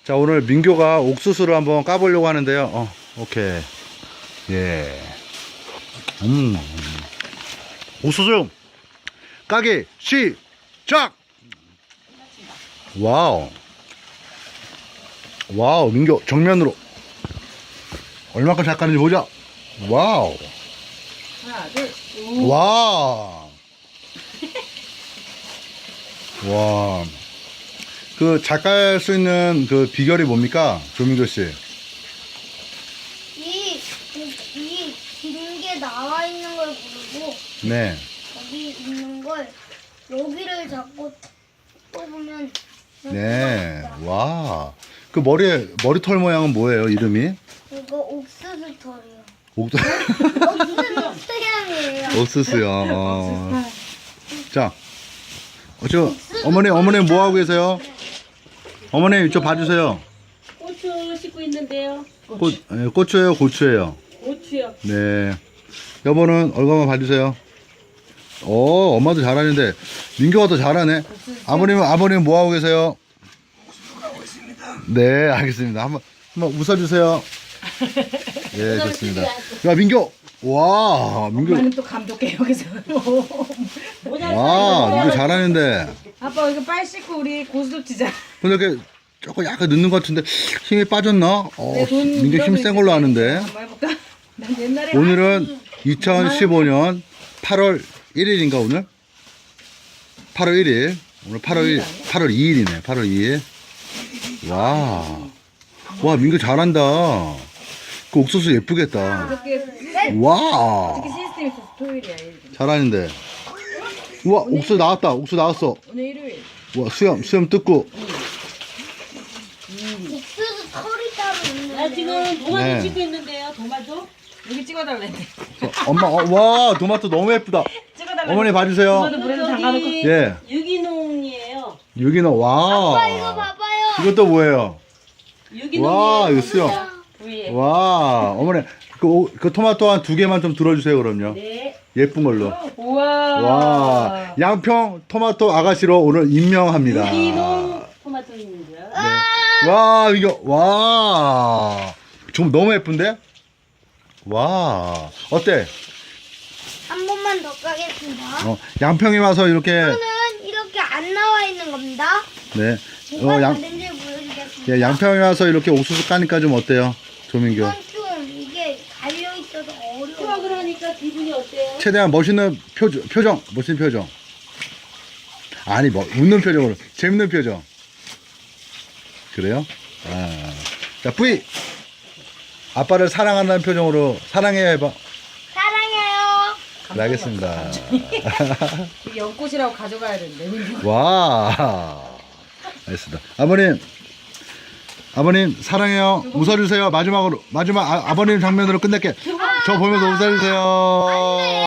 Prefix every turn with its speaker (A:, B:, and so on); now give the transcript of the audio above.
A: 자, 오늘 민교가 옥수수를 한번 까보려고 하는데요. 오케이. 예. 옥수수 까기 시작! 와우. 와우, 민교 정면으로. 얼마큼 잘 까는지 보자. 와우.
B: 하나, 둘.
A: 와. 와. 그 잘 깔 수 있는 그 비결이 뭡니까? 조민교 씨.
C: 이 긴 게 나와 있는 걸 고르고
A: 네.
C: 여기 있는 걸 여기를 잡고 뽑으면
A: 네. 와. 그 머리털 모양은 뭐예요? 이름이?
C: 이거 옥수수 털이요.
A: 옥수수.
C: 옥수수 토양이에요.
A: 옥수수요. 자. 어머니 뭐 하고 계세요? 어머니 이쪽 봐주세요.
B: 고추 씻고 있는데요.
A: 고추예요, 고추예요.
B: 고추요.
A: 네. 여보는 얼굴만 봐주세요. 엄마도 잘하는데 민규가 더 잘하네. 아버님 뭐 하고 계세요? 네, 알겠습니다. 한번 웃어주세요. 네, 좋습니다. 야, 민규. 와, 민규.
D: 엄마는 또 감독해 여기서.
A: 와, 민규 잘하는데.
D: 아빠 이거 빨리 씻고 우리 고스톱 치자.
A: 근데 이렇게 조금 약간 늦는 것 같은데 힘이 빠졌나?
D: 내 돈
A: 민규 힘 센 걸로 아는데.
D: 한번 해볼까? 난 옛날에
A: 오늘은 2015년 8월 1일인가 오늘? 8월 1일. 오늘 8월 2일이네. 8월 2일. 와. 와, 민규 잘한다. 그 옥수수 예쁘겠다.
D: 이렇게
A: 와.
D: 시스템이 있어서 토요일이야. 일요일.
A: 잘하는데. 우와, 옥수수 나왔다. 옥수수 나왔어.
D: 오늘 일요일.
A: 와, 수염 뜯고.
C: 옥수수 털이 따로 있는데.
B: 나 지금 도마도
A: 네.
B: 씻고 있는데요. 도마도.
D: 여기 찍어달래.
A: 엄마, 와, 토마토 너무 예쁘다.
D: 찍어달래.
A: 어머니 봐주세요.
D: 도마도 물에서 담가놓고.
A: 예.
B: 유기농이에요.
A: 유기농, 와.
C: 아빠 이거 봐봐요.
A: 이것도 뭐예요?
B: 유기농이에요.
A: 와, 이거 수염.
B: 부위에.
A: 와, 어머니, 그 토마토 한 2개만 좀 들어주세요, 그럼요.
B: 네.
A: 예쁜 걸로.
D: 우와.
A: 와, 양평 토마토 아가씨로 오늘 임명합니다.
B: 유기농 토마토입니다.
A: 네. 와, 이거, 와. 좀 너무 예쁜데? 와, 어때?
C: 한 번만 더 까겠습니다.
A: 양평에 와서 이렇게,
C: 이거는 이렇게 안 나와 있는 겁니다.
A: 네.
C: 뭐가
A: 양,
C: 다른지 보여드리겠습니다.
A: 예, 양평에 와서 이렇게 옥수수 까니까 좀 어때요? 조민규.
C: 이건 좀 이게 달려 있어서 어려워.
B: 수확을 하니까 기분이 어때요?
A: 최대한 멋있는 멋있는 표정. 아니, 웃는 표정으로. 재밌는 표정. 그래요? 아. 자, 뿌이! 아빠를 사랑한다는 표정으로 사랑해요 해봐.
C: 사랑해요.
A: 네, 알겠습니다.
D: 이게 연꽃이라고 가져가야 되는데.
A: 와. 알겠습니다. 아버님 사랑해요. 웃어주세요. 마지막 아버님 장면으로 끝낼게. 저 보면서 웃어주세요.